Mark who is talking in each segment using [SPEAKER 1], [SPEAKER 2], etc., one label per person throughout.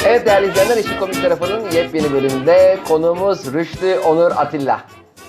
[SPEAKER 1] Evet değerli izleyenler, İşin Komik Tarafı'nın yepyeni bölümünde konuğumuz Rüştü Onur Atilla.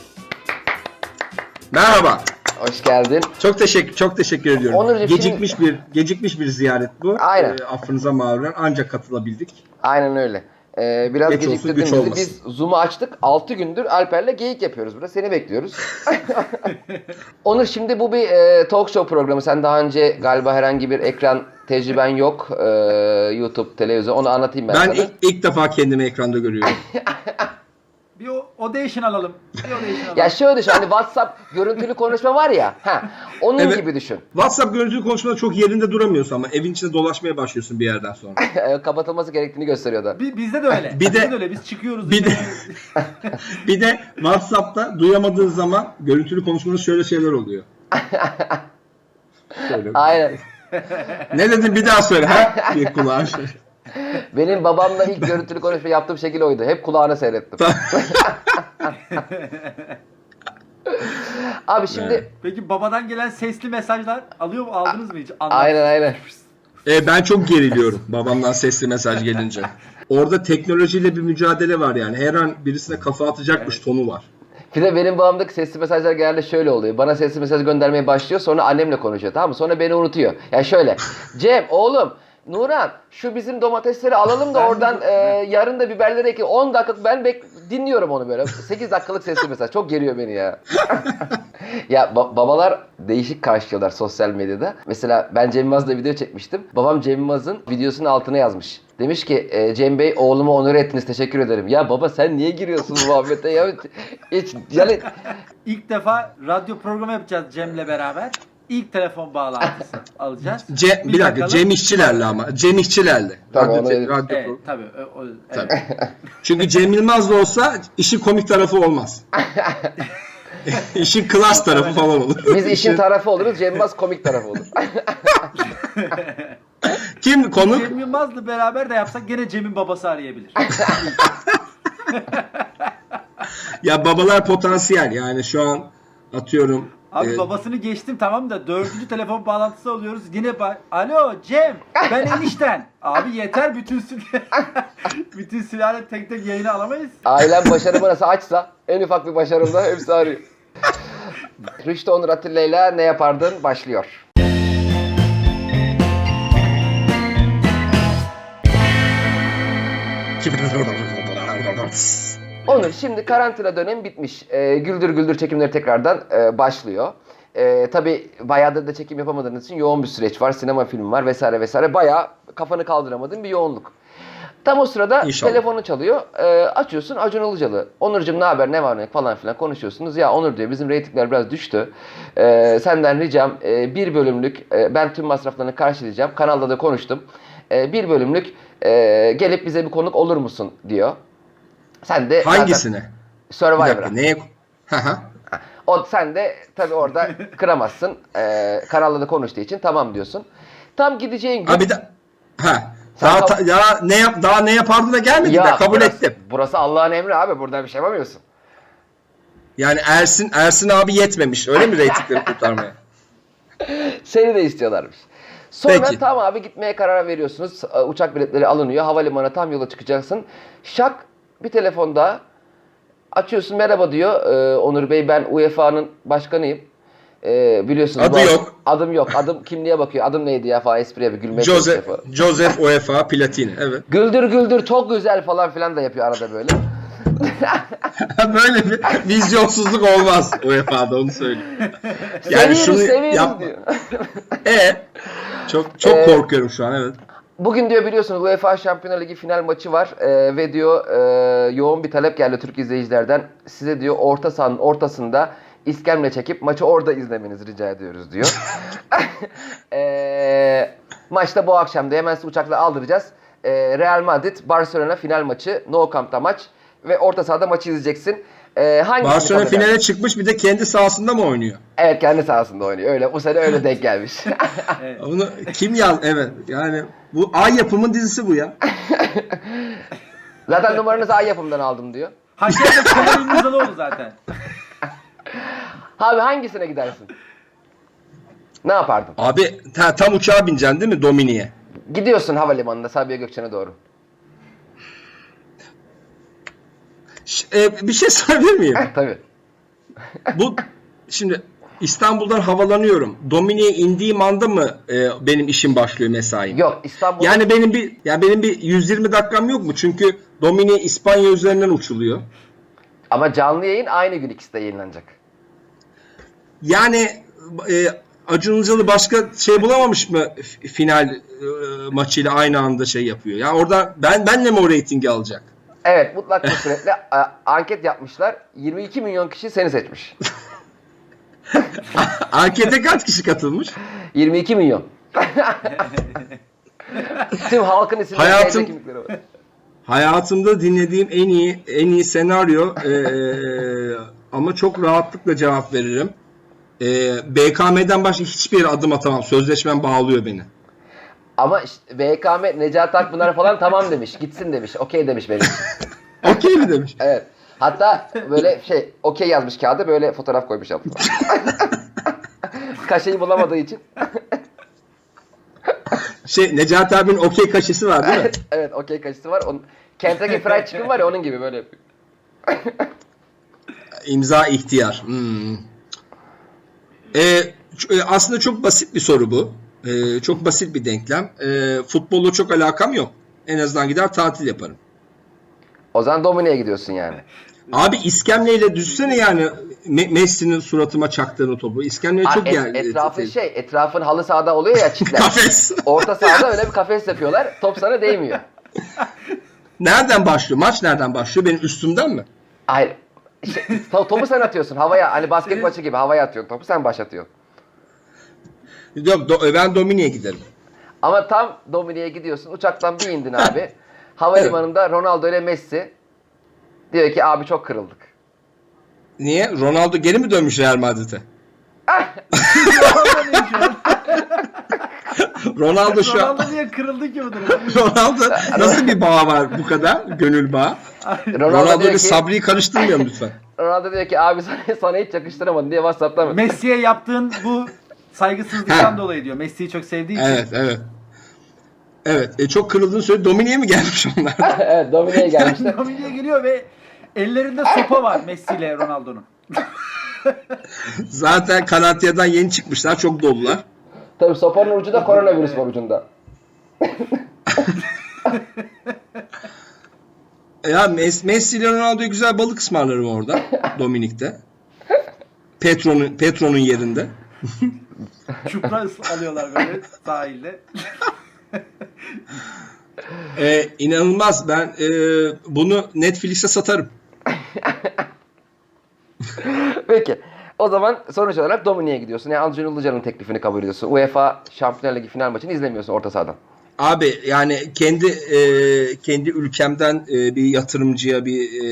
[SPEAKER 2] Merhaba.
[SPEAKER 1] Hoş geldin.
[SPEAKER 2] Çok teşekkür ediyorum.
[SPEAKER 1] Onurcuğum,
[SPEAKER 2] Gecikmiş bir ziyaret bu.
[SPEAKER 1] Aynen.
[SPEAKER 2] Affınıza mağruren ancak katılabildik.
[SPEAKER 1] Aynen öyle. Biraz
[SPEAKER 2] Geç olsun,
[SPEAKER 1] geciktirdin
[SPEAKER 2] güç
[SPEAKER 1] bizi.
[SPEAKER 2] olmasın.
[SPEAKER 1] Biz Zoom'u açtık. 6 gündür Alper'le geyik yapıyoruz burada. Seni bekliyoruz. Onur, şimdi bu bir talk show programı. Sen daha önce galiba herhangi bir ekran tecrüben yok. YouTube, televizyon. Onu anlatayım ben sana.
[SPEAKER 2] Ben ilk defa kendimi ekranda görüyorum.
[SPEAKER 3] Bir audition alalım.
[SPEAKER 1] Ya şöyle düşün, hani WhatsApp görüntülü konuşma var ya. Onun
[SPEAKER 2] Evet.
[SPEAKER 1] gibi düşün.
[SPEAKER 2] WhatsApp görüntülü konuşmada çok yerinde duramıyorsun ama evin içinde dolaşmaya başlıyorsun bir yerden sonra.
[SPEAKER 1] Kapatılması gerektiğini gösteriyor da.
[SPEAKER 3] Bizde de öyle. Bizde de öyle. Biz çıkıyoruz.
[SPEAKER 2] Bir de WhatsApp'ta duyamadığın zaman görüntülü konuşmada şöyle şeyler oluyor. Şöyle.
[SPEAKER 1] Aynen.
[SPEAKER 2] Ne dedin bir daha söyle ha? Bir kulağa şey.
[SPEAKER 1] Benim babamla ilk görüntülü konuşma yaptığım şekil oydu. Hep kulağına seyrettim. Abi şimdi...
[SPEAKER 2] Evet.
[SPEAKER 3] Peki babadan gelen sesli mesajlar aldınız mı hiç?
[SPEAKER 1] Aynen.
[SPEAKER 2] Ben çok geriliyorum babamdan sesli mesaj gelince. Orada teknolojiyle bir mücadele var yani. Her an birisine kafa atacakmış tonu var.
[SPEAKER 1] Bir de benim babamdaki sesli mesajlar genelde şöyle oluyor. Bana sesli mesaj göndermeye başlıyor, sonra annemle konuşuyor, tamam mı? Sonra beni unutuyor. Yani şöyle. Cem, oğlum, Nuran, şu bizim domatesleri alalım da oradan yarın da biberleri ekelim. 10 dakika ben dinliyorum onu böyle. 8 dakikalık sesli mesaj. Çok geriyor beni ya. Ya babalar değişik karşılıyorlar sosyal medyada. Mesela ben Cem Yılmaz'la video çekmiştim. Babam Cem Yılmaz'ın videosunun altına yazmış. Demiş ki Cem Bey, oğlumu onur ettiniz, teşekkür ederim. Ya baba, sen niye giriyorsun bu muhabbete ya? Hiç yani...
[SPEAKER 3] İlk defa radyo programı yapacağız Cem'le beraber. İlk telefon bağlantısı alacağız.
[SPEAKER 2] Bir dakika, Cem İşçilerle ama. Cem İşçilerle.
[SPEAKER 1] Tabii,
[SPEAKER 2] Radyo
[SPEAKER 3] Evet,
[SPEAKER 2] programı.
[SPEAKER 3] tabii. Evet.
[SPEAKER 2] Tabii. Çünkü Cem Yılmaz da olsa işin komik tarafı olmaz. İşin klas tarafı falan olur.
[SPEAKER 1] Biz işin tarafı oluruz, Cem Yılmaz komik tarafı olur.
[SPEAKER 2] Kim konuk?
[SPEAKER 3] Cem Yılmaz'la beraber de yapsak gene Cem'in babası arayabilir.
[SPEAKER 2] Ya babalar potansiyel yani şu an atıyorum.
[SPEAKER 3] Abi babasını geçtim tamam da 4. telefon bağlantısı alıyoruz. Yine alo Cem, ben enişten. Abi yeter, bütün sülale tek tek yayını alamayız.
[SPEAKER 1] Ailem başarımı nasıl açsa, en ufak bir başarımda hepsi arıyor. Rüştü Onur Atilla ile Ne Yapardın başlıyor. Onur, şimdi karantina dönemi bitmiş. Güldür Güldür çekimleri tekrardan başlıyor. Tabii bayağıdır da çekim yapamadığınız için yoğun bir süreç var. Sinema filmi var vesaire vesaire. Bayağı kafanı kaldıramadığın bir yoğunluk. Tam o sırada
[SPEAKER 2] İnşallah.
[SPEAKER 1] telefonu çalıyor. Açıyorsun, Acun Ilıcalı. Onurcuğum ne haber, ne var ne falan filan konuşuyorsunuz. Ya Onur diyor, bizim reytingler biraz düştü. Senden ricam bir bölümlük, ben tüm masraflarını karşılayacağım. Kanalda da konuştum. Bir bölümlük gelip bize bir konuk olur musun diyor. Sen de
[SPEAKER 2] Hangisine?
[SPEAKER 1] Survivor'a.
[SPEAKER 2] Neye?
[SPEAKER 1] Sen de tabii orada kıramazsın. Kanalda da konuştuğu için tamam diyorsun. Tam gideceğin gün...
[SPEAKER 2] Abi daha ne yapardı da gelmedi de kabul ettim.
[SPEAKER 1] Burası Allah'ın emri abi. Burada bir şey yapamıyorsun.
[SPEAKER 2] Yani Ersin abi yetmemiş. Öyle mi reytingleri kurtarmaya?
[SPEAKER 1] Seni de istiyorlarmış. Sonra
[SPEAKER 2] Peki.
[SPEAKER 1] tam abi gitmeye karar veriyorsunuz. Uçak biletleri alınıyor. Havalimanına tam yola çıkacaksın. Şak bir telefonda açıyorsun, merhaba diyor. Onur Bey, ben UEFA'nın başkanıyım. Biliyorsunuz.
[SPEAKER 2] Adı yok.
[SPEAKER 1] Adım yok. Adım kimliğe bakıyor. Adım neydi ya falan, espriye bir gülmeye
[SPEAKER 2] Joseph UEFA Platini. Evet.
[SPEAKER 1] Güldür Güldür çok güzel falan filan da yapıyor arada böyle.
[SPEAKER 2] Böyle bir vizyonsuzluk olmaz UEFA'da, onu söyleyeyim. Yani
[SPEAKER 1] Seviyoruz
[SPEAKER 2] yapma.
[SPEAKER 1] diyor.
[SPEAKER 2] Çok korkuyorum şu an, evet.
[SPEAKER 1] Bugün diyor biliyorsunuz UEFA Şampiyonlar Ligi final maçı var ve diyor yoğun bir talep geldi Türk izleyicilerden. Size diyor orta sahanın ortasında iskemle çekip maçı orada izlemenizi rica ediyoruz diyor. Maçta bu akşam da hemen sizi uçakla aldıracağız. Real Madrid Barcelona final maçı, Nou Camp'ta maç ve orta sahada maçı izleyeceksin.
[SPEAKER 2] Barcelona finale çıkmış, bir de kendi sahasında mı oynuyor?
[SPEAKER 1] Evet, kendi sahasında oynuyor. Öyle bu sene öyle denk gelmiş.
[SPEAKER 3] Evet.
[SPEAKER 2] Onu kim yaz? Evet. Yani bu Ay Yapım'ın dizisi bu ya.
[SPEAKER 1] Zaten numaranızı Ay Yapım'dan aldım diyor.
[SPEAKER 3] Haşer'de Kemal İmirzalıoğlu zaten.
[SPEAKER 1] Abi hangisine gidersin? Ne yapardın?
[SPEAKER 2] Abi tam uçağa bineceksin değil mi Domini'ye?
[SPEAKER 1] Gidiyorsun havalimanında Sabiha Gökçen'e doğru.
[SPEAKER 2] Bir şey sorabilir miyim?
[SPEAKER 1] Tabii.
[SPEAKER 2] Bu şimdi İstanbul'dan havalanıyorum. Dominik'e indiğim anda mı benim işim başlıyor, mesaim?
[SPEAKER 1] Yok, İstanbul'da
[SPEAKER 2] Yani benim bir 120 dakikam yok mu? Çünkü Dominik İspanya üzerinden uçuluyor.
[SPEAKER 1] ama canlı yayın aynı gün ikisi de yayınlanacak.
[SPEAKER 2] Yani Acun Ilıcalı başka şey bulamamış mı final maçıyla aynı anda şey yapıyor? Ya orada benle mi o reytingi alacak?
[SPEAKER 1] Evet, mutlak bir suretle anket yapmışlar. 22 milyon kişi seni seçmiş.
[SPEAKER 2] Ankete kaç kişi katılmış?
[SPEAKER 1] 22 milyon. Tüm halkın isimleri
[SPEAKER 2] Hayatım-
[SPEAKER 1] kimlikleri var.
[SPEAKER 2] Hayatımda dinlediğim en iyi senaryo, ama çok rahatlıkla cevap veririm. BKM'den başka hiçbir yere adım atamam. Sözleşmem bağlıyor beni.
[SPEAKER 1] Ama işte VKM, Necati Akpınar falan tamam demiş. Gitsin demiş. Okey demiş benim için.
[SPEAKER 2] Okey mi demiş?
[SPEAKER 1] Evet. Hatta böyle okey yazmış kağıda, böyle fotoğraf koymuş altına. Kaşeyi bulamadığı için.
[SPEAKER 2] Necati abinin okey kaşesi var değil mi?
[SPEAKER 1] Evet, okey kaşesi var. Kentucky Fried Chicken var ya, onun gibi böyle yapıyor.
[SPEAKER 2] İmza ihtiyar. Aslında çok basit bir soru bu. Çok basit bir denklem. Futbolla çok alakam yok. En azından gider tatil yaparım.
[SPEAKER 1] O zaman Dominik'e gidiyorsun yani.
[SPEAKER 2] Abi iskemleyle düşsene yani Messi'nin suratıma çaktığını topu. İskemleyle çok
[SPEAKER 1] Etrafın halı sahada oluyor ya, çitler.
[SPEAKER 2] Kafes.
[SPEAKER 1] Orta sahada öyle bir kafes yapıyorlar. Top sana değmiyor.
[SPEAKER 2] Nereden başlıyor? Maç nereden başlıyor? Benim üstümden mi?
[SPEAKER 1] Hayır. Topu sen atıyorsun havaya. Hani basket maçı gibi havaya atıyorsun. Topu sen başlatıyorsun.
[SPEAKER 2] Yok, ben Dominik'e giderim.
[SPEAKER 1] Ama tam Dominik'e gidiyorsun. Uçaktan bir indin abi. Havalimanında Ronaldo ile Messi. Diyor ki abi çok kırıldık.
[SPEAKER 2] Niye? Ronaldo geri mi dönmüş Real Madrid'e? Ronaldo şu an...
[SPEAKER 3] Ronaldo niye kırıldı ki bu durumda?
[SPEAKER 2] Ronaldo nasıl bir bağ var bu kadar? Gönül bağı. Ronaldo
[SPEAKER 1] diyor
[SPEAKER 2] ile
[SPEAKER 1] ki,
[SPEAKER 2] Sabri'yi karıştırmayalım lütfen.
[SPEAKER 1] Ronaldo diyor ki abi sana hiç yakıştıramadın diye WhatsApp'tan mı?
[SPEAKER 3] Messi'ye yaptığın bu saygısızlıktan dolayı diyor. Messi'yi çok sevdiği için.
[SPEAKER 2] Evet. Evet. Çok kırıldığını söyle. Dominik'e mi gelmiş onlar?
[SPEAKER 1] Evet, Dominik'e gelmişler.
[SPEAKER 3] Dominik'e geliyor ve ellerinde sopa var Messi ile Ronaldo'nun.
[SPEAKER 2] Zaten Kanatya'dan yeni çıkmışlar. Çok dolular.
[SPEAKER 1] Tabii sopanın ucu da koronavirüs var ucunda.
[SPEAKER 2] Ya Messi ile Ronaldo'ya güzel balık ısmarlarım orada. Dominik'te. Petro'nun yerinde.
[SPEAKER 3] Çupra alıyorlar böyle sahilde.
[SPEAKER 2] İnanılmaz. Ben bunu Netflix'e satarım.
[SPEAKER 1] Peki. O zaman sonuç olarak Dominik'e gidiyorsun. Yani Acun Ilıcalı'nın teklifini kabul ediyorsun. UEFA Şampiyonlar Ligi final maçını izlemiyorsun orta sahadan.
[SPEAKER 2] Abi yani kendi ülkemden bir yatırımcıya,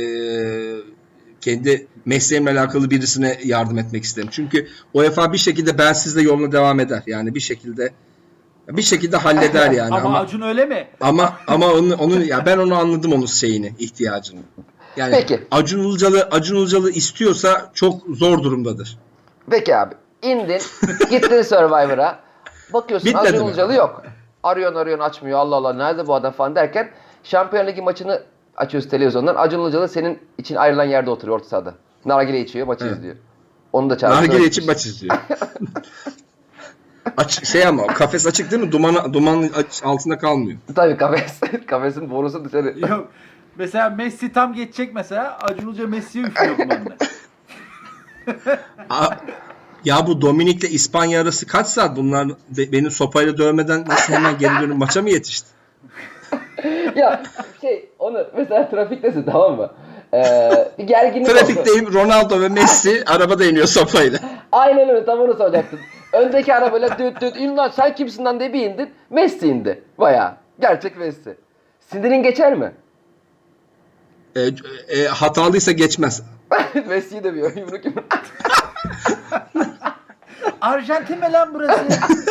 [SPEAKER 2] kendi mesleğimle alakalı birisine yardım etmek isterim. Çünkü UEFA bir şekilde bensizle yoluna devam eder. Yani bir şekilde halleder yani.
[SPEAKER 3] Ama Acun öyle mi?
[SPEAKER 2] Ama onun ya ben onu anladım, onun ihtiyacını. Yani
[SPEAKER 1] Peki.
[SPEAKER 2] Acun Ilıcalı istiyorsa çok zor durumdadır.
[SPEAKER 1] Peki abi. İndin. Gittin Survivor'a. Bakıyorsun
[SPEAKER 2] Bitmedi
[SPEAKER 1] Acun
[SPEAKER 2] mi?
[SPEAKER 1] Ilıcalı yok. Arıyorsun açmıyor. Allah Allah nerede bu adam falan derken Şampiyonlar Ligi maçını açıyoruz televizyondan. Acun Ilıcalı senin için ayrılan yerde oturuyor orta sahada. Nargile içiyor, maçı izliyor. Onu da çağırıyor.
[SPEAKER 2] Nargile için maç izliyor. Ama kafes açık değil mi? Dumanın altında kalmıyor.
[SPEAKER 1] Tabii kafesin borusu dışarı.
[SPEAKER 3] Yok. Mesela Messi tam geçecek mesela. Acun Ilıcalı Messi'ye üflüyor dumanını.
[SPEAKER 2] Ya bu Dominik'le İspanya arası kaç saat? Bunlar beni sopayla dövmeden nasıl hemen geri dönüp maça mı yetişti?
[SPEAKER 1] Ya onu mesela trafiktesin, tamam mı? Bir gerginlik oldu.
[SPEAKER 2] Trafikteyim, Ronaldo ve Messi arabada iniyor sopayla.
[SPEAKER 1] Aynen öyle, tam onu soracaktım. Öndeki arabayla düt in lan sen kimsin lan diye bir indin. Messi indi. Bayağı. Gerçek Messi. Sinirin geçer mi?
[SPEAKER 2] Hatalıysa geçmez.
[SPEAKER 1] Messi'yi dövüyor. Yumruk.
[SPEAKER 3] Arjantin mi lan burası?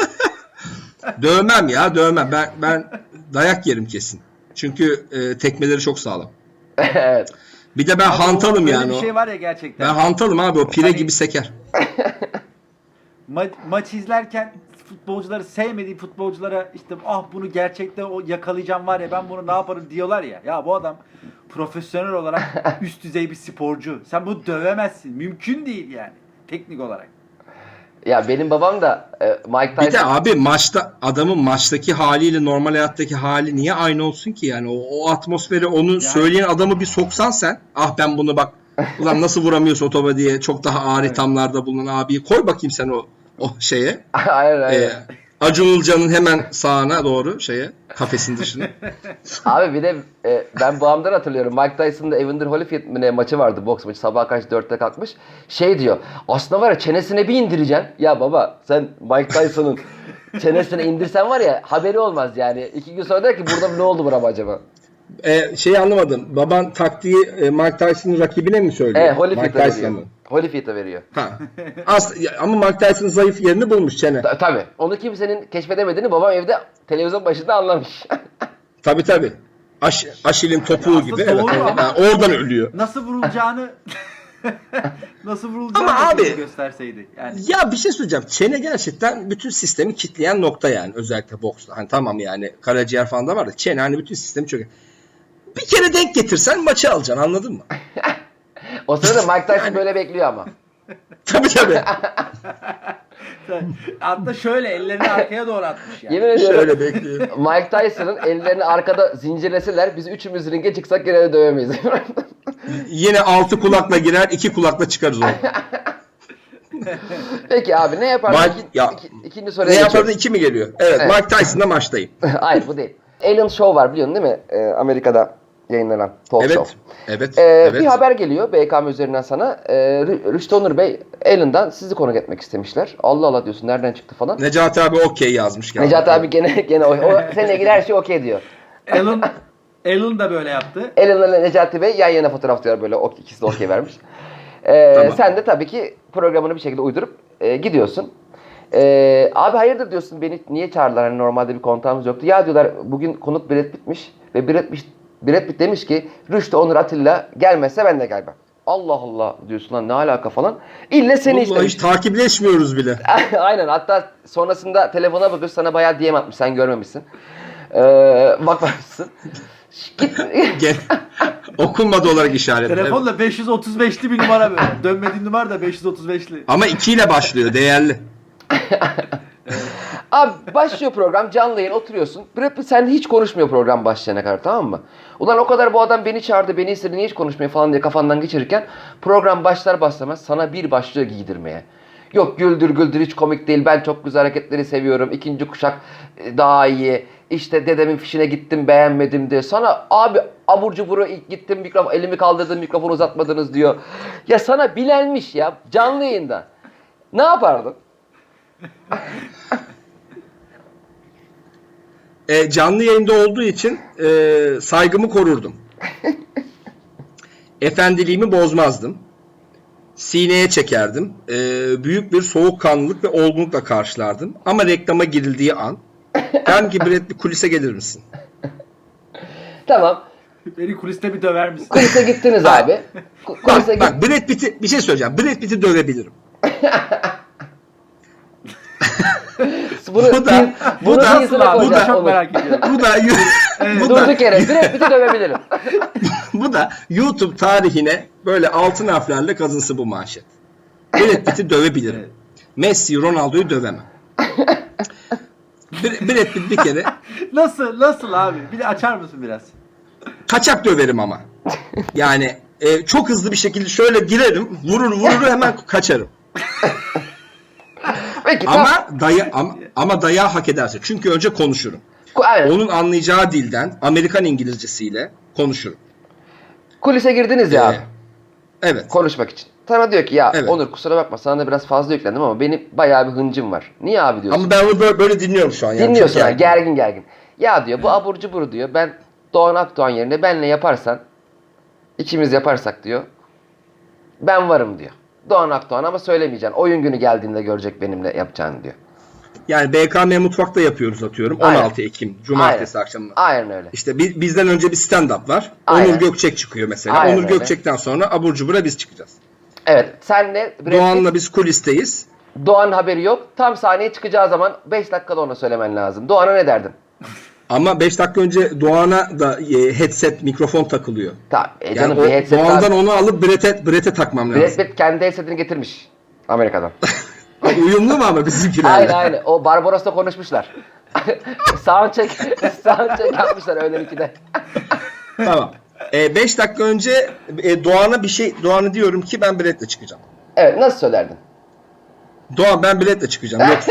[SPEAKER 2] Dövmem. Ben dayak yerim kesin. Çünkü tekmeleri çok sağlam.
[SPEAKER 1] Evet.
[SPEAKER 2] Bir de ben hantalım
[SPEAKER 3] Öyle
[SPEAKER 2] yani
[SPEAKER 3] bir
[SPEAKER 2] o.
[SPEAKER 3] şey var ya gerçekten.
[SPEAKER 2] Ben hantalım abi, o pire
[SPEAKER 3] Hani-
[SPEAKER 2] gibi seker.
[SPEAKER 3] maç izlerken futbolcuları sevmediği futbolculara işte bunu gerçekte yakalayacağım var ya ben bunu ne yaparım diyorlar ya. Ya bu adam profesyonel olarak üst düzey bir sporcu. Sen bunu dövemezsin. Mümkün değil yani teknik olarak.
[SPEAKER 1] Ya benim babam da Mike Tyson...
[SPEAKER 2] Bir de abi adamın maçtaki haliyle normal hayattaki hali niye aynı olsun ki yani o atmosferi onu söyleyen adamı bir soksan sen ben bunu bak ulan nasıl vuramıyorsun o topa diye çok daha ağır ithamlarda bulunan abiyi koy bakayım sen o şeye.
[SPEAKER 1] Aynen.
[SPEAKER 2] Acun Ilıcalı'nın hemen sağına doğru kafesin dışına.
[SPEAKER 1] Abi bir de ben babamdan hatırlıyorum. Mike Tyson'da Evander Holyfield maçı vardı, boks maçı. Sabah kaç 4'te kalkmış. Diyor. Aslında var ya çenesine bir indireceksin. Ya baba sen Mike Tyson'ın çenesine indirsen var ya haberi olmaz yani. 2 gün sonra der ki burada ne oldu buna acaba?
[SPEAKER 2] Anlamadım. Baban taktiği Mike Tyson'ın rakibine mi söylüyor?
[SPEAKER 1] Holyfield'e veriyor. Holyfield'e veriyor.
[SPEAKER 2] Ama Mike Tyson'ın zayıf yerini bulmuş çene.
[SPEAKER 1] Tabii. Onu kimsenin keşfedemediğini babam evde televizyon başında anlamış.
[SPEAKER 2] Tabii. Aşil'in topuğu gibi. Evet. Oradan ölüyor.
[SPEAKER 3] Nasıl vurulacağını
[SPEAKER 2] Ama abi
[SPEAKER 3] gösterseydi. Yani.
[SPEAKER 2] Ya bir şey söyleyeceğim. Çene gerçekten bütün sistemi kitleyen nokta yani. Özellikle boksta. Hani tamam yani karaciğer falan da var da çene hani bütün sistemi çok... Bir kere denk getirsen maçı alacaksın anladın mı?
[SPEAKER 1] O sırada Mike Tyson böyle bekliyor ama.
[SPEAKER 2] Tabii.
[SPEAKER 3] Hatta şöyle ellerini arkaya doğru atmış yani.
[SPEAKER 1] Yemin ediyorum.
[SPEAKER 2] Şöyle bekliyor.
[SPEAKER 1] Mike Tyson'ın ellerini arkada zincirleseler biz üçümüz ringe çıksak gene de dövemeyiz.
[SPEAKER 2] Yine 6 kulakla girer 2 kulakla çıkarız onu.
[SPEAKER 1] Peki abi ne yapardın? İkinci soruya
[SPEAKER 2] ne
[SPEAKER 1] geçiyorum.
[SPEAKER 2] yapardın 2 mi geliyor? Evet. Mike Tyson'la maçtayım.
[SPEAKER 1] Hayır bu değil. Ellen Show var biliyorsun değil mi? Amerika'da yayınlanan talk show.
[SPEAKER 2] Evet.
[SPEAKER 1] Bir haber geliyor BKM üzerinden sana. Rüştü Onur Bey Ellen'dan sizi konuk etmek istemişler. Allah Allah diyorsun nereden çıktı falan.
[SPEAKER 2] Necati abi okey yazmış.
[SPEAKER 1] Necati abi gene o seninle ilgili her şey okey diyor.
[SPEAKER 3] Ellen da böyle yaptı.
[SPEAKER 1] Ellen'la Necati Bey yan yana fotoğraf diyor böyle ikisi de okey vermiş.
[SPEAKER 2] Tamam.
[SPEAKER 1] Sen de tabii ki programını bir şekilde uydurup gidiyorsun. Abi hayırdır diyorsun beni niye çağırdılar hani normalde bir kontağımız yoktu. Ya diyorlar bugün konuk Brad Pitt'miş ve Brad Pitt demiş ki Rüştü Onur Atilla gelmezse ben de gelmem. Allah Allah diyorsun lan ne alaka falan. İlle seni
[SPEAKER 2] istemiş. Hiç takipleşmiyoruz bile.
[SPEAKER 1] Aynen hatta sonrasında telefona bakıyorsun sana bayağı DM atmış sen görmemişsin. Bakmamışsın. Git.
[SPEAKER 2] Okunmadı olarak işaret.
[SPEAKER 3] Telefonla 535'li bir numara böyle. Dönmediğin numara da 535'li.
[SPEAKER 2] Ama 2 ile başlıyor değerli.
[SPEAKER 1] Abi başlıyor program canlı yayın oturuyorsun. Brad Pitt seninle hiç konuşmuyor program başlayana kadar tamam mı? Ulan o kadar bu adam beni çağırdı beni istedi niye hiç konuşmuyor falan diye kafandan geçirirken program başlar başlamaz sana bir başlıyor giydirmeye. Yok güldür hiç komik değil ben çok güzel hareketleri seviyorum ikinci kuşak daha iyi işte dedemin fişine gittim beğenmedim diye sana abi abur cuburu gittim elimi kaldırdım mikrofonu uzatmadınız diyor. Ya sana bilenmiş ya canlı yayında ne yapardın?
[SPEAKER 2] Canlı yayında olduğu için saygımı korurdum. Efendiliğimi bozmazdım. Sineye çekerdim. Büyük bir soğukkanlılık ve olgunlukla karşılardım. Ama reklama girildiği an derdim ki Brad bir kulise gelir misin?
[SPEAKER 1] Tamam.
[SPEAKER 3] Beni kuliste bir döver misin?
[SPEAKER 1] Kulise gittiniz abi.
[SPEAKER 2] Bak Brad Pitt'i bir şey söyleyeceğim. Brad Pitt'i dövebilirim.
[SPEAKER 1] Bunu
[SPEAKER 3] çok merak ediyorum.
[SPEAKER 1] Durduk yere Brad Pitt'i dövebilirim.
[SPEAKER 2] Bu da YouTube tarihine böyle altın harflerle kazınsı bu manşet. Brad Pitt'i dövebilirim. Evet. Messi, Ronaldo'yu dövemem. Brad Pitt bir kere.
[SPEAKER 3] Nasıl abi? Bir de açar mısın biraz?
[SPEAKER 2] Kaçak döverim ama. Yani çok hızlı bir şekilde şöyle girerim, vurur hemen kaçarım.
[SPEAKER 1] Peki,
[SPEAKER 2] ama dayağı hak ederse. Çünkü önce konuşurum.
[SPEAKER 1] Aynen.
[SPEAKER 2] Onun anlayacağı dilden Amerikan İngilizcesiyle konuşurum.
[SPEAKER 1] Kulise girdiniz ya abi.
[SPEAKER 2] Evet.
[SPEAKER 1] Konuşmak için. Sana diyor ki ya
[SPEAKER 2] evet.
[SPEAKER 1] Onur kusura bakma sana da biraz fazla yüklendim ama benim bayağı bir hıncım var. Niye abi diyorsun?
[SPEAKER 2] Ama ben onu böyle dinliyorum şu an. Yani.
[SPEAKER 1] Dinliyorsun yani gergin. Ya diyor bu abur cubur diyor ben Doğan Akdoğan yerine benle yaparsan ikimiz yaparsak diyor ben varım diyor. Doğan Akdoğan ama söylemeyeceksin. Oyun günü geldiğinde görecek benimle yapacağını diyor.
[SPEAKER 2] Yani BKM Mutfak'ta yapıyoruz atıyorum. 16 Aynen. Ekim Cumartesi akşamı.
[SPEAKER 1] Aynen öyle.
[SPEAKER 2] İşte bizden önce bir stand-up var.
[SPEAKER 1] Aynen.
[SPEAKER 2] Onur Gökçek çıkıyor mesela.
[SPEAKER 1] Aynen
[SPEAKER 2] Onur Gökçek'ten sonra abur cubura biz çıkacağız.
[SPEAKER 1] Evet. Senle
[SPEAKER 2] Doğan'la biz kulisteyiz.
[SPEAKER 1] Doğan'ın haberi yok. Tam sahneye çıkacağı zaman 5 dakikada ona söylemen lazım. Doğan'a ne derdin?
[SPEAKER 2] Ama 5 dakika önce Doğan'a da headset, mikrofon takılıyor.
[SPEAKER 1] Tamam.
[SPEAKER 2] Yani
[SPEAKER 1] Canım
[SPEAKER 2] o,
[SPEAKER 1] bir headset
[SPEAKER 2] Doğan'dan onu alıp Brett'e takmam
[SPEAKER 1] Brad
[SPEAKER 2] lazım.
[SPEAKER 1] Pitt kendi headsetini getirmiş. Amerika'dan.
[SPEAKER 2] Uyumlu mu ama bizimkilerle?
[SPEAKER 1] Aynen. O Barbaros'ta konuşmuşlar. soundcheck yapmışlar öğlen 2'de.
[SPEAKER 2] Tamam. 5 dakika önce Doğan'a diyorum ki ben Brett'le çıkacağım.
[SPEAKER 1] Evet, nasıl söylerdin?
[SPEAKER 2] Doğan, ben Brett'le çıkacağım. Yoksa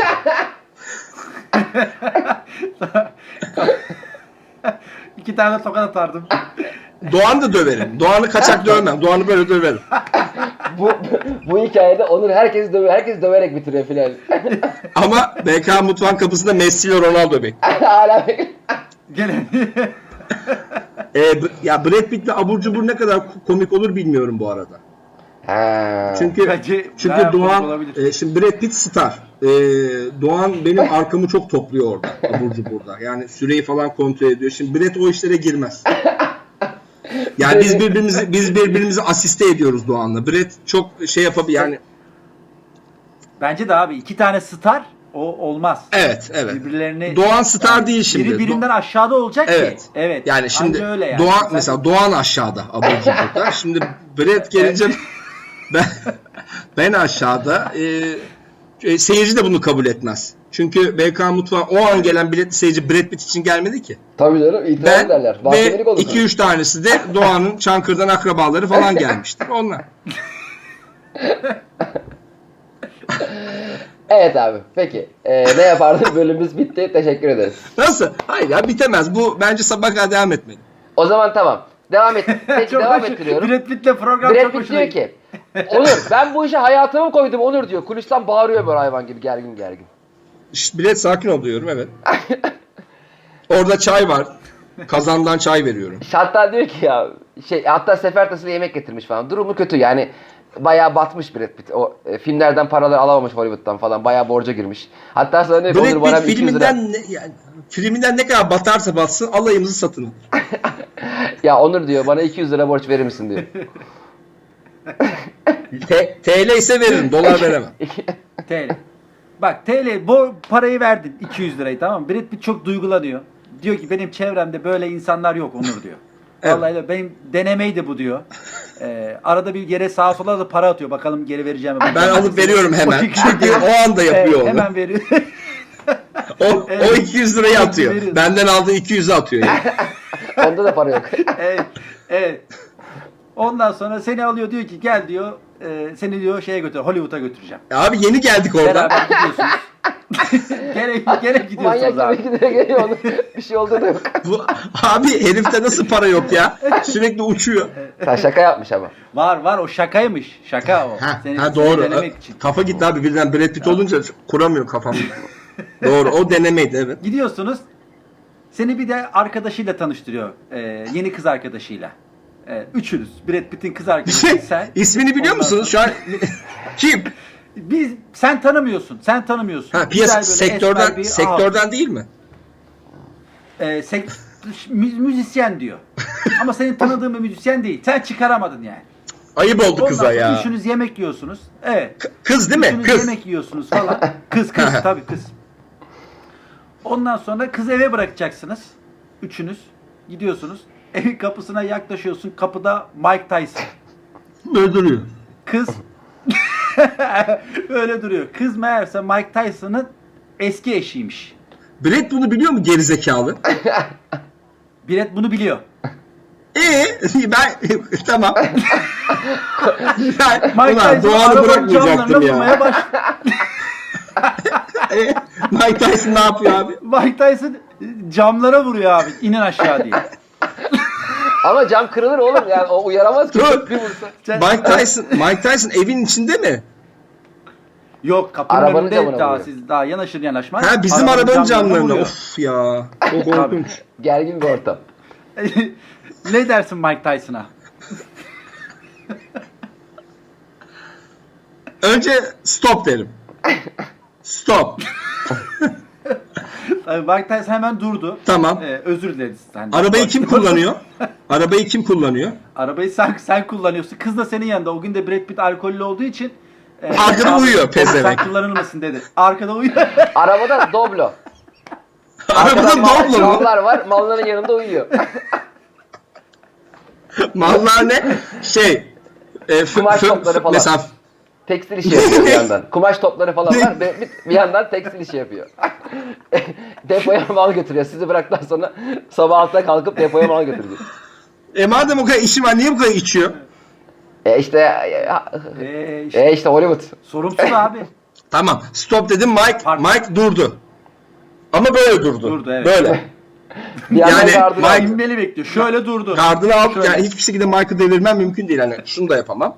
[SPEAKER 3] İki tane tokat atardım.
[SPEAKER 2] Doğan'ı da döverim. Doğan'ı kaçak dövmem. Doğan'ı böyle döverim.
[SPEAKER 1] bu hikayede Onur herkesi döverek bitiriyor filan.
[SPEAKER 2] Ama BK Mutfağın kapısında Messi ile Ronaldo bekliyor.
[SPEAKER 1] Hala
[SPEAKER 3] Gene.
[SPEAKER 2] Ya Brad Pitt'le abur cubur ne kadar komik olur bilmiyorum bu arada.
[SPEAKER 1] Ha.
[SPEAKER 3] Bence
[SPEAKER 2] Çünkü
[SPEAKER 3] bayağı komik
[SPEAKER 2] Doğan
[SPEAKER 3] olabilir.
[SPEAKER 2] şimdi Brad Pitt star. Doğan benim arkamı çok topluyor orada abur cuburda. Yani süreyi falan kontrol ediyor. Şimdi Brad o işlere girmez. Yani biz birbirimizi asiste ediyoruz Doğan'la. Brad çok şey yapabilir yani.
[SPEAKER 3] Bence de abi iki tane star o olmaz.
[SPEAKER 2] Evet.
[SPEAKER 3] Birbirlerini
[SPEAKER 2] Doğan star değil şimdi.
[SPEAKER 3] Biri birinden aşağıda olacak
[SPEAKER 2] Evet.
[SPEAKER 3] ki. Evet.
[SPEAKER 2] Yani şimdi
[SPEAKER 3] Anca öyle yani.
[SPEAKER 2] Doğan mesela Doğan aşağıda abur cuburda. Şimdi Brad gelince ben aşağıda seyirci de bunu kabul etmez. Çünkü BK Mutfağı o an gelen biletli seyirci Brad Pitt için gelmedi ki.
[SPEAKER 1] Tabii canım, itiraz
[SPEAKER 2] Ben
[SPEAKER 1] ederler.
[SPEAKER 2] ve
[SPEAKER 1] Mahkemelik olur.
[SPEAKER 2] 2-3 tanesi de Doğan'ın Çankırı'dan akrabaları falan gelmiştir. Onlar.
[SPEAKER 1] Evet abi. Peki. Ne yapardın? Bölümümüz bitti. Teşekkür ederiz.
[SPEAKER 2] Nasıl? Hayır ya, bitemez. Bu bence sabah kadar devam etmeli.
[SPEAKER 1] O zaman tamam. Devam et. Peki
[SPEAKER 3] Çok
[SPEAKER 1] devam
[SPEAKER 3] hoş-
[SPEAKER 1] ettiriyorum.
[SPEAKER 3] Brad Pitt'le program
[SPEAKER 1] Brad
[SPEAKER 3] çok
[SPEAKER 1] Pitt
[SPEAKER 3] hoşuna
[SPEAKER 1] diyor ki Onur, ben bu işe hayatımı koydum Onur diyor. Kulisten bağırıyor böyle hayvan gibi gergin.
[SPEAKER 2] Şşt, bilet sakin ol diyorum, evet. Orada çay var. Kazandan çay veriyorum.
[SPEAKER 1] Hatta diyor ki ya hatta sefer tasıyla yemek getirmiş falan. Durumu kötü yani. Bayağı batmış Brad Pitt. O filmlerden paralar alamamış Hollywood'dan falan. Bayağı borca girmiş. Hatta sana diyor ki Onur
[SPEAKER 2] Brad
[SPEAKER 1] bana
[SPEAKER 2] Pitt
[SPEAKER 1] 200 lira.
[SPEAKER 2] filminden ne kadar batarsa batsın alayımızı satın alır.
[SPEAKER 1] Ya Onur diyor bana 200 lira borç verir misin diyor.
[SPEAKER 2] TL ise veririm, dolar veremem.
[SPEAKER 3] TL. Bak TL bu parayı verdin 200 lirayı, tamam mı? Brad Pitt çok duygulanıyor. Diyor ki benim çevremde böyle insanlar yok Onur diyor.
[SPEAKER 2] Evet.
[SPEAKER 3] Vallahi de benim denemeydi bu diyor. Arada bir yere sağa sola da para atıyor. Bakalım geri vereceğim mi?
[SPEAKER 2] Ben alıp veriyorum hemen. Çünkü o anda yapıyor onu.
[SPEAKER 3] Hemen veriyor.
[SPEAKER 2] O 200 lirayı atıyor.
[SPEAKER 3] Veriyorsun.
[SPEAKER 2] Benden aldığı 200'ü atıyor yani.
[SPEAKER 1] Onda da para yok.
[SPEAKER 3] evet. Ondan sonra seni alıyor, diyor ki gel diyor. Seni diyor şeye götür, Hollywood'a götüreceğim.
[SPEAKER 2] Abi yeni geldik oradan.
[SPEAKER 3] Beraber gidiyorsunuz. gene gidiyorsunuz
[SPEAKER 1] Manyak
[SPEAKER 3] abi.
[SPEAKER 1] gibi gidiyor geliyor Onur. Bir şey oldu da yok.
[SPEAKER 2] Abi herifte nasıl para yok ya? Sürekli uçuyor.
[SPEAKER 1] Sen şaka yapmış ama.
[SPEAKER 3] Var o şakaymış. Şaka o. Seni
[SPEAKER 2] Doğru.
[SPEAKER 3] denemek için.
[SPEAKER 2] Kafa gitti abi, birden Brad Pitt olunca kuramıyor kafam. Doğru, o denemeydi, evet.
[SPEAKER 3] Gidiyorsunuz. Seni bir de arkadaşıyla tanıştırıyor. Yeni kız arkadaşıyla. Üçünüz. Brad Pitt'in kız arkadaşı sen.
[SPEAKER 2] İsmini biliyor
[SPEAKER 3] Ondan
[SPEAKER 2] musunuz şu an? Kim?
[SPEAKER 3] Sen tanımıyorsun.
[SPEAKER 2] Ha,
[SPEAKER 3] Güzel
[SPEAKER 2] piyasa
[SPEAKER 3] böyle esmer bir
[SPEAKER 2] sektörden değil mi?
[SPEAKER 3] müzisyen diyor. Ama senin tanıdığın bir müzisyen değil. Sen çıkaramadın yani.
[SPEAKER 2] Ayıp oldu
[SPEAKER 3] Ondan
[SPEAKER 2] kıza
[SPEAKER 3] sonra
[SPEAKER 2] ya.
[SPEAKER 3] üçünüz yemek yiyorsunuz. Evet.
[SPEAKER 2] Kız değil mi?
[SPEAKER 3] Üçünüz
[SPEAKER 2] Kız.
[SPEAKER 3] yemek yiyorsunuz falan. Kız tabii kız. Ondan sonra kızı eve bırakacaksınız. Üçünüz gidiyorsunuz. Evin kapısına yaklaşıyorsun. Kapıda Mike Tyson.
[SPEAKER 2] Böyle duruyor.
[SPEAKER 3] Kız öyle duruyor. Kız meğerse Mike Tyson'ın eski eşiymiş.
[SPEAKER 2] Brad bunu biliyor mu gerizekalı?
[SPEAKER 3] Brad bunu biliyor.
[SPEAKER 2] Ben tamam.
[SPEAKER 3] Mike
[SPEAKER 2] Ulan
[SPEAKER 3] Tyson
[SPEAKER 2] Doğan'ı
[SPEAKER 3] arabanın
[SPEAKER 2] bırakmayacaktım
[SPEAKER 3] camlarına
[SPEAKER 2] ya.
[SPEAKER 3] vurmaya
[SPEAKER 2] Mike Tyson ne yapıyor abi?
[SPEAKER 3] Mike Tyson camlara vuruyor abi. İnin aşağı diye.
[SPEAKER 1] Ama cam kırılır oğlum yani o uyaramaz ki.
[SPEAKER 2] Dur.
[SPEAKER 1] Bir vursa.
[SPEAKER 2] Mike Tyson evin içinde mi?
[SPEAKER 3] Yok, kapının
[SPEAKER 1] Arabanın
[SPEAKER 3] önünde
[SPEAKER 1] camına
[SPEAKER 3] daha
[SPEAKER 1] vuruyor.
[SPEAKER 3] siz daha yanaşır yanaşmaz.
[SPEAKER 2] Ha, bizim arabanın camlarına.
[SPEAKER 3] vuruyor.
[SPEAKER 2] Of ya. Çok korkunç.
[SPEAKER 1] Gergin bir ortam.
[SPEAKER 3] Ne dersin Mike Tyson'a?
[SPEAKER 2] Önce stop derim. Stop.
[SPEAKER 3] Mike Tyson hemen durdu.
[SPEAKER 2] Tamam.
[SPEAKER 3] Özür dileriz senden.
[SPEAKER 2] Arabayı kim kullanıyor? Arabayı kim kullanıyor?
[SPEAKER 3] Arabayı sen kullanıyorsun. Kız da senin yanında. O gün de Brad Pitt alkollü olduğu için
[SPEAKER 2] Arkada
[SPEAKER 3] abi,
[SPEAKER 2] uyuyor
[SPEAKER 3] sen
[SPEAKER 2] pezevenk.
[SPEAKER 3] kullanılmasın dedi. Arkada uyuyor.
[SPEAKER 1] Arabada Doblo.
[SPEAKER 2] Arabada
[SPEAKER 1] Arkadan
[SPEAKER 2] Doblo mu?
[SPEAKER 1] mallar var. Malların yanında uyuyor.
[SPEAKER 2] Mallar ne?
[SPEAKER 1] Kumaş topları falan.
[SPEAKER 2] Mesela
[SPEAKER 1] Tekstil işi yapıyor bir yandan. Kumaş topları falan var. Bir yandan tekstil işi yapıyor. Depoya mal götürüyor. Sizi bıraktıktan sonra sabah 6'da kalkıp depoya mal götürecek.
[SPEAKER 2] madem o kadar işi var niye bu kadar içiyor?
[SPEAKER 1] İşte Hollywood.
[SPEAKER 3] Sorumsuz abi.
[SPEAKER 2] Tamam. Stop dedim. Mike durdu. Ama böyle durdu.
[SPEAKER 3] Durdu, evet.
[SPEAKER 2] Böyle.
[SPEAKER 1] Bir yandan
[SPEAKER 2] Yani
[SPEAKER 1] gardını
[SPEAKER 2] Mike-
[SPEAKER 1] alıyor.
[SPEAKER 3] İnmeli bekliyor. Şöyle durdu.
[SPEAKER 2] Gardını al.
[SPEAKER 3] Şöyle.
[SPEAKER 2] Yani hiçbir şekilde Mike'ı devirmem mümkün değil. Hani şunu da yapamam.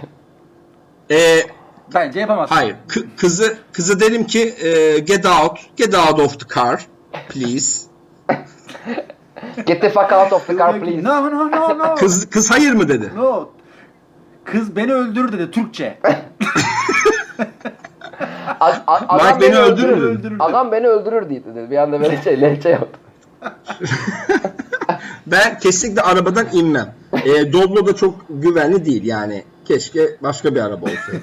[SPEAKER 3] Bence yapamazsın.
[SPEAKER 2] Hayır. Kızı derim ki get out of the car please.
[SPEAKER 1] Get the fuck out of the car please.
[SPEAKER 3] No.
[SPEAKER 2] Kız hayır mı dedi.
[SPEAKER 3] No. Kız beni öldürür dedi Türkçe.
[SPEAKER 1] Adam
[SPEAKER 2] Mike beni öldürür
[SPEAKER 3] dedi.
[SPEAKER 1] Adam beni öldürür dedi. Bir anda böyle lehçe yaptı.
[SPEAKER 2] Ben kesinlikle arabadan inmem. Doblo da çok güvenli değil yani. Keşke başka bir araba olsaydı.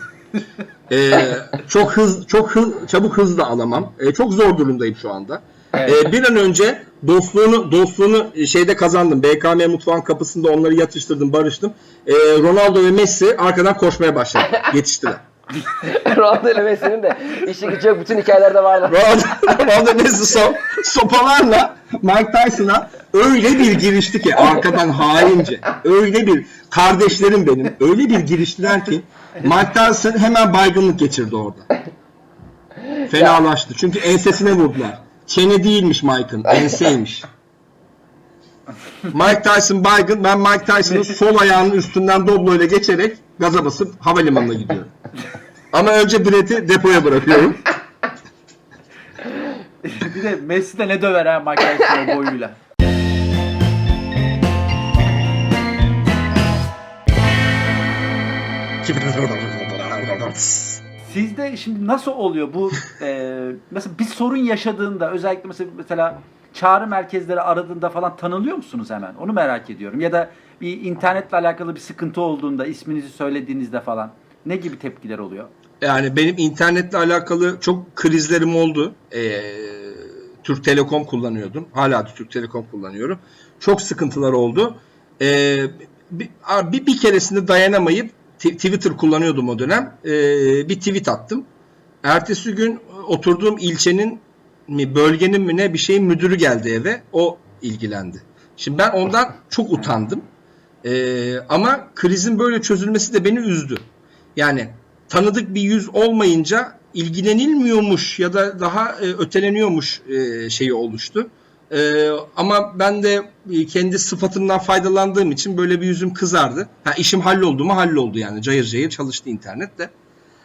[SPEAKER 2] Çabuk hız da alamam. Çok zor durumdayım şu anda.
[SPEAKER 3] Evet.
[SPEAKER 2] Bir an önce dostluğunu şeyde kazandım. BKM mutfağın kapısında onları yatıştırdım, barıştım. Ronaldo ve Messi arkadan koşmaya başladı. Yetiştiler.
[SPEAKER 1] Ronaldo ile Messi'nin de işi gücü yok. Bütün hikayelerde vardı.
[SPEAKER 2] Ronaldo Messi sopalarla Mike Tyson'a öyle bir girişti ki arkadan haince. Öyle bir kardeşlerim benim. Öyle bir giriştiler ki Mike Tyson hemen baygınlık geçirdi orada. Fenalaştı. Çünkü ensesine vurdular. Çene değilmiş Mike'ın. Enseymiş. Mike Tyson baygın. Ben Mike Tyson'ın sol ayağının üstünden Doblo ile geçerek gaza basıp havalimanına gidiyorum. Ama önce bileti depoya bırakıyorum.
[SPEAKER 3] Bir de Messi de ne döver ha Mike Tyson'ın boyuyla. Sizde şimdi nasıl oluyor bu mesela bir sorun yaşadığında özellikle mesela çağrı merkezleri aradığında falan tanınıyor musunuz hemen? Onu merak ediyorum. Ya da bir internetle alakalı bir sıkıntı olduğunda isminizi söylediğinizde falan ne gibi tepkiler oluyor?
[SPEAKER 2] Yani benim internetle alakalı çok krizlerim oldu. Türk Telekom kullanıyordum. Hala da Türk Telekom kullanıyorum. Çok sıkıntılar oldu. Bir keresinde dayanamayıp Twitter kullanıyordum o dönem. Bir tweet attım. Ertesi gün oturduğum ilçenin mi bölgenin mi ne bir şeyin müdürü geldi eve. O ilgilendi. Şimdi ben ondan çok utandım. Ama krizin böyle çözülmesi de beni üzdü. Yani tanıdık bir yüz olmayınca ilgilenilmiyormuş ya da daha öteleniyormuş şeyi oluştu. Ama ben de kendi sıfatımdan faydalandığım için böyle bir yüzüm kızardı. İşim halloldu mu halloldu yani. Cayır cayır çalıştı internet de.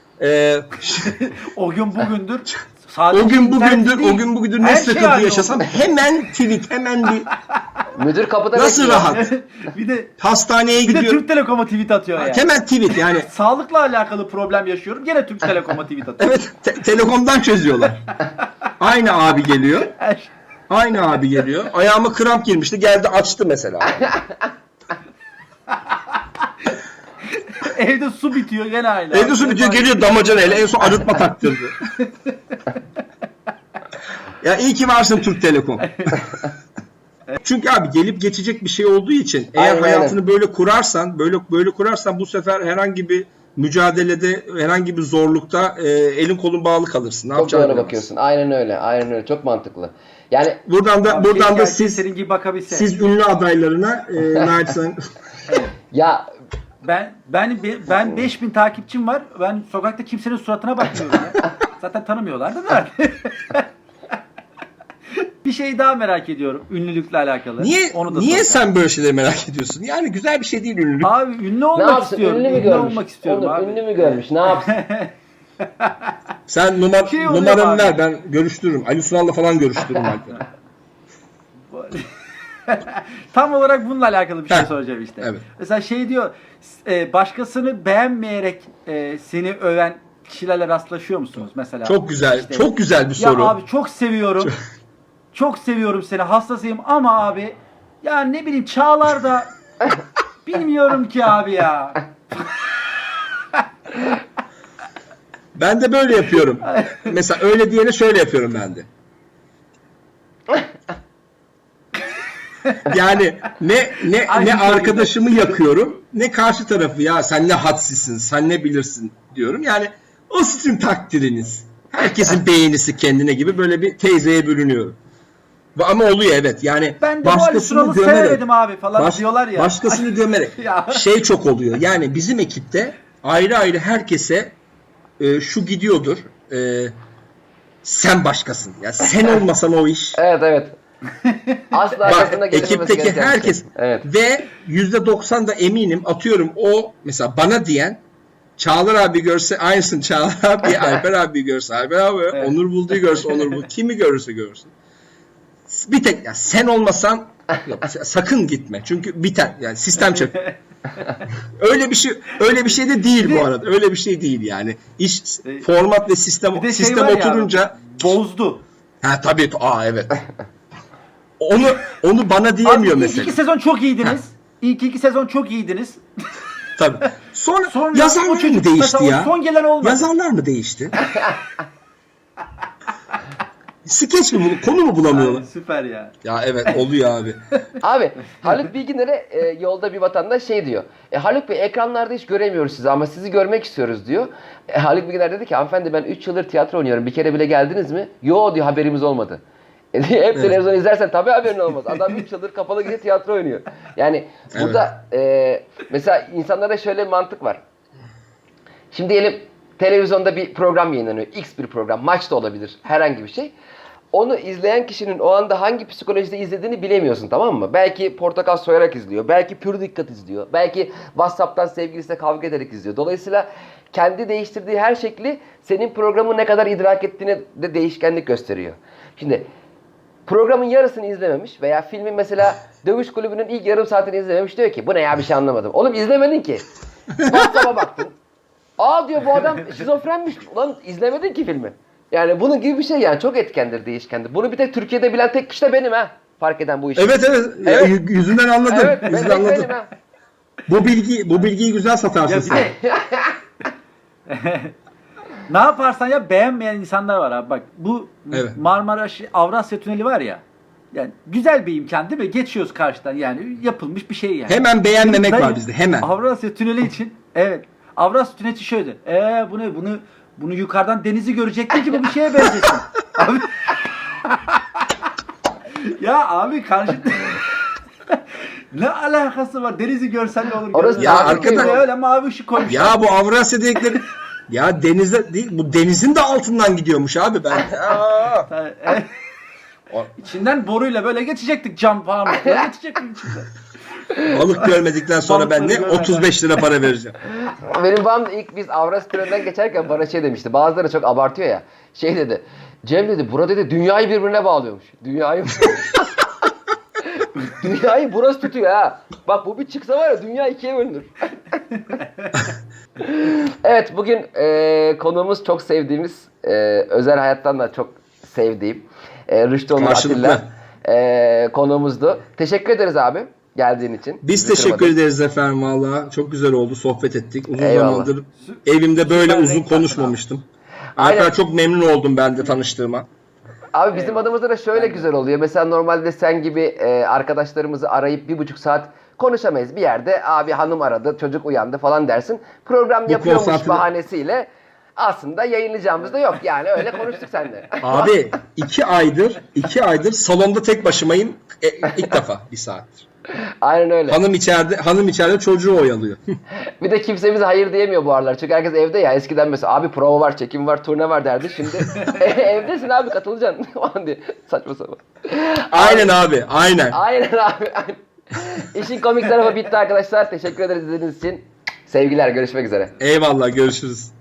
[SPEAKER 3] O gün bugündür sadece
[SPEAKER 2] O gün
[SPEAKER 3] internet değil,
[SPEAKER 2] bugündür ne
[SPEAKER 3] her şey
[SPEAKER 2] sıkıntı
[SPEAKER 3] halloldu.
[SPEAKER 2] yaşasam hemen tweet, hemen bir
[SPEAKER 1] Müdür kapıda
[SPEAKER 2] nasıl
[SPEAKER 1] bekliyor.
[SPEAKER 2] rahat.
[SPEAKER 3] bir de
[SPEAKER 2] Hastaneye
[SPEAKER 3] bir de
[SPEAKER 2] gidiyorum.
[SPEAKER 3] Türk Telekom'a tweet atıyor yani.
[SPEAKER 2] Hemen tweet yani.
[SPEAKER 3] Sağlıkla alakalı problem yaşıyorum. Gene Türk Telekom'a tweet atıyor.
[SPEAKER 2] Evet, Telekom'dan çözüyorlar. Aynı abi geliyor.
[SPEAKER 3] Her şey-
[SPEAKER 2] Aynı abi geliyor. Ayağıma kramp girmişti. Geldi açtı mesela.
[SPEAKER 3] Evde su bitiyor gene aynı.
[SPEAKER 2] Evde su bitiyor geliyor damacanayla. En son arıtma taktırdı. Ya iyi ki varsın Türk Telekom. Çünkü abi gelip geçecek bir şey olduğu için eğer
[SPEAKER 1] Aynen,
[SPEAKER 2] hayatını böyle kurarsan, böyle kurarsan bu sefer herhangi bir mücadelede, herhangi bir zorlukta elin kolun bağlı kalırsın. Ne
[SPEAKER 1] Çok
[SPEAKER 2] yapacağını
[SPEAKER 1] doğru
[SPEAKER 2] bilemezsin.
[SPEAKER 1] bakıyorsun. Aynen öyle. Aynen öyle. Çok mantıklı. Yani
[SPEAKER 2] Buradan da
[SPEAKER 3] Keşke
[SPEAKER 2] siz
[SPEAKER 3] senin gibi bakabilse.
[SPEAKER 2] siz ünlü adaylarına naçizane
[SPEAKER 1] ya
[SPEAKER 3] Ben 5000 takipçim var. Ben sokakta kimsenin suratına bakmıyorum ya. Zaten tanımıyorlar da. Bir şey daha merak ediyorum ünlülükle alakalı.
[SPEAKER 2] niye
[SPEAKER 3] Onu da
[SPEAKER 2] niye
[SPEAKER 3] soracağım.
[SPEAKER 2] sen böyle şeyleri merak ediyorsun? Yani güzel bir şey değil ünlülük.
[SPEAKER 3] Abi ünlü
[SPEAKER 1] ne
[SPEAKER 3] olmak
[SPEAKER 1] yapsın?
[SPEAKER 3] istiyorum.
[SPEAKER 1] Ünlü mü görmüş?
[SPEAKER 3] olmak istiyorum
[SPEAKER 1] Onur,
[SPEAKER 3] abi.
[SPEAKER 1] ünlü mü görmüş? Ne yapsın?
[SPEAKER 2] Sen
[SPEAKER 3] Şey oluyor
[SPEAKER 2] numaranı
[SPEAKER 3] abi.
[SPEAKER 2] ver ben görüştürürüm. Ali Sunal'la falan görüştürürüm Alper'i.
[SPEAKER 3] Tam olarak bununla alakalı bir şey
[SPEAKER 2] Heh,
[SPEAKER 3] soracağım işte.
[SPEAKER 2] evet.
[SPEAKER 3] Mesela şey diyor, başkasını beğenmeyerek seni öven kişilerle rastlaşıyor musunuz mesela?
[SPEAKER 2] Çok güzel.
[SPEAKER 3] İşte,
[SPEAKER 2] Çok güzel bir
[SPEAKER 3] ya
[SPEAKER 2] soru.
[SPEAKER 3] abi çok seviyorum. Çok seviyorum seni, hastasıyım ama abi ya ne bileyim Çağlar'da bilmiyorum ki abi ya.
[SPEAKER 2] Ben de böyle yapıyorum. Mesela öyle diyene şöyle yapıyorum ben de. Yani ne arkadaşımı yakıyorum, ne karşı tarafı ya sen ne hadsizsin, sen ne bilirsin diyorum. Yani o sizin takdiriniz. Herkesin beğenisi kendine gibi böyle bir teyzeye bürünüyorum. Ama oluyor evet. Yani
[SPEAKER 3] Ben de bu Ali Sunal'ı sevemedim abi falan diyorlar ya.
[SPEAKER 2] Başkasını gömerek.
[SPEAKER 3] Ya.
[SPEAKER 2] Şey çok oluyor. Yani bizim ekipte ayrı ayrı herkese şu gidiyordur. Sen başkasın. Ya sen olmasan o iş.
[SPEAKER 1] Evet. Asla arkasında
[SPEAKER 2] Bak
[SPEAKER 1] gelinmemesi
[SPEAKER 2] ekipteki
[SPEAKER 1] gereken bir
[SPEAKER 2] herkes
[SPEAKER 1] şey. Evet.
[SPEAKER 2] ve %90 da eminim atıyorum o mesela bana diyen Çağlar abi görse aynısın Çağlar abi, Alper abi görse Alper abi,
[SPEAKER 3] Evet.
[SPEAKER 2] Onur Buldu'yu görse Onur Buldu, kimi görürse görsün. Bir tek ya sen olmasan yok, sakın gitme. Çünkü biter. Yani sistem çöker. Öyle bir şey de değil bu arada. Öyle bir şey değil yani. İş format ve sistem
[SPEAKER 3] Bir de
[SPEAKER 2] sistem
[SPEAKER 3] var ya
[SPEAKER 2] oturunca
[SPEAKER 3] abi, bozdu.
[SPEAKER 2] ha tabii evet. Onu bana diyemiyor
[SPEAKER 3] Abi
[SPEAKER 2] mesela.
[SPEAKER 3] İlk 2 sezon çok iyiydiniz. İlk 2 sezon çok iyiydiniz.
[SPEAKER 2] Tabii. Sonra
[SPEAKER 3] o
[SPEAKER 2] yazarlar
[SPEAKER 3] çocuk
[SPEAKER 2] mı değişti
[SPEAKER 3] mesela
[SPEAKER 2] ya?
[SPEAKER 3] o son gelen olmadı.
[SPEAKER 2] Yazarlar mı değişti? Skeç mi konu mu bulamıyorlar?
[SPEAKER 3] Ay, süper ya.
[SPEAKER 2] Ya evet oluyor abi.
[SPEAKER 1] Abi Haluk Bilginer'e yolda bir vatandaş şey diyor. Haluk Bey ekranlarda hiç göremiyoruz sizi ama sizi görmek istiyoruz diyor. Haluk Bilginer dedi ki hanımefendi ben 3 yıldır tiyatro oynuyorum. Bir kere bile geldiniz mi? Yo diyor haberimiz olmadı. Hep televizyon izlersen tabii haberin olmaz. Adam 3 yıldır kapalı gece tiyatro oynuyor. Yani burada mesela insanlara şöyle bir mantık var. Şimdi diyelim televizyonda bir program yayınlanıyor. X bir program. Maç da olabilir. Herhangi bir şey. Onu izleyen kişinin o anda hangi psikolojide izlediğini bilemiyorsun, tamam mı? Belki portakal soyarak izliyor. Belki pür dikkat izliyor. Belki WhatsApp'tan sevgilisiyle kavga ederek izliyor. Dolayısıyla kendi değiştirdiği her şekli senin programı ne kadar idrak ettiğine de değişkenlik gösteriyor. Şimdi programın yarısını izlememiş veya filmin mesela Dövüş Kulübü'nün ilk yarım saatini izlememiş, diyor ki bu ne ya bir şey anlamadım. Oğlum izlemedin ki. WhatsApp'a baktın. Aa diyor bu adam şizofrenmiş. Ulan izlemedin ki filmi. Yani bunun gibi bir şey yani çok etkendir, değişkendir. Bunu bir tek Türkiye'de bilen tek kişi de benim ha. Fark eden bu işi.
[SPEAKER 2] Evet. Ya, yüzünden anladım.
[SPEAKER 1] Evet, ben
[SPEAKER 2] Yüzünden anladım.
[SPEAKER 1] benim ha.
[SPEAKER 2] Bu bilgiyi güzel satarsın
[SPEAKER 3] Ya bir
[SPEAKER 2] sen.
[SPEAKER 3] de ne yaparsan ya beğenmeyen insanlar var abi. Bak bu
[SPEAKER 2] Evet.
[SPEAKER 3] Marmara Avrasya Tüneli var ya. Yani güzel bir imkan değil mi? Geçiyoruz karşıdan yani yapılmış bir şey yani.
[SPEAKER 2] Hemen beğenmemek
[SPEAKER 3] Dayı,
[SPEAKER 2] var bizde hemen.
[SPEAKER 3] Avrasya Tüneli için evet. Avrasya Tüneli için şöyle. Bu ne? Bunu yukarıdan denizi görecektin ki bu bir şeye benzesin. Abi. Ya abi karşı ne alakası var? Denizi görsen ne olur?
[SPEAKER 1] Orası
[SPEAKER 2] Ya
[SPEAKER 1] tabii
[SPEAKER 2] arkadaş-
[SPEAKER 1] ki
[SPEAKER 3] öyle mavi ışık koymuşlar.
[SPEAKER 2] Ya bu Avrasya dedikleri ya denizde değil bu denizin de altından gidiyormuş abi ben.
[SPEAKER 3] İçinden boruyla böyle geçecektik cam falan. Böyle geçecektik içinden.
[SPEAKER 2] Balık görmedikten sonra ben
[SPEAKER 3] Balıkları
[SPEAKER 2] ne
[SPEAKER 3] görmeden.
[SPEAKER 2] 35 lira para vereceğim.
[SPEAKER 1] Benim babam da ilk biz Avrasya Tüneli'nden geçerken bana şey demişti. Bazıları çok abartıyor ya. Şey dedi. Cem dedi bura dedi dünyayı birbirine bağlıyormuş. Dünyayı burası tutuyor ha. Bak bu bir çıksa var ya dünya ikiye bölünür. Evet bugün konuğumuz çok sevdiğimiz özel hayattan da çok sevdiğim Rüştü Onur
[SPEAKER 2] Karşılıklı.
[SPEAKER 1] Atilla konuğumuzdu. Teşekkür ederiz abi geldiğin için.
[SPEAKER 2] Biz
[SPEAKER 1] Bizi
[SPEAKER 2] teşekkür
[SPEAKER 1] kırmadın.
[SPEAKER 2] ederiz efendim valla. Çok güzel oldu. Sohbet ettik. Uzun
[SPEAKER 1] Eyvallah.
[SPEAKER 2] zamandır evimde böyle
[SPEAKER 3] Süper
[SPEAKER 2] uzun
[SPEAKER 3] renk
[SPEAKER 2] konuşmamıştım.
[SPEAKER 1] Aynen.
[SPEAKER 2] Alper çok memnun oldum ben de tanıştığıma.
[SPEAKER 1] Abi bizim adımızda da şöyle güzel oluyor. Mesela normalde sen gibi arkadaşlarımızı arayıp 1,5 saat konuşamayız. Bir yerde abi hanım aradı, çocuk uyandı falan dersin. Program
[SPEAKER 2] Bu
[SPEAKER 1] yapıyormuş
[SPEAKER 2] konsantre-
[SPEAKER 1] bahanesiyle aslında yayınlayacağımız da yok. Yani öyle konuştuk seninle.
[SPEAKER 2] Abi 2 aydır salonda tek başımayım. İlk defa bir saattir.
[SPEAKER 1] Aynen öyle.
[SPEAKER 2] Hanım içeride çocuğu oyalıyor.
[SPEAKER 1] Bir de kimse bize hayır diyemiyor bu aralar. Çünkü herkes evde ya. Eskiden mesela abi prova var, çekim var, turne var derdi. Şimdi evdesin abi katılacaksın falan diye. Saçma sapan.
[SPEAKER 2] Aynen abi. Aynen.
[SPEAKER 1] Aynen abi. Aynen. İşin komik tarafı bitti arkadaşlar. Teşekkür ederiz izlediğiniz için. Sevgiler. Görüşmek üzere.
[SPEAKER 2] Eyvallah görüşürüz.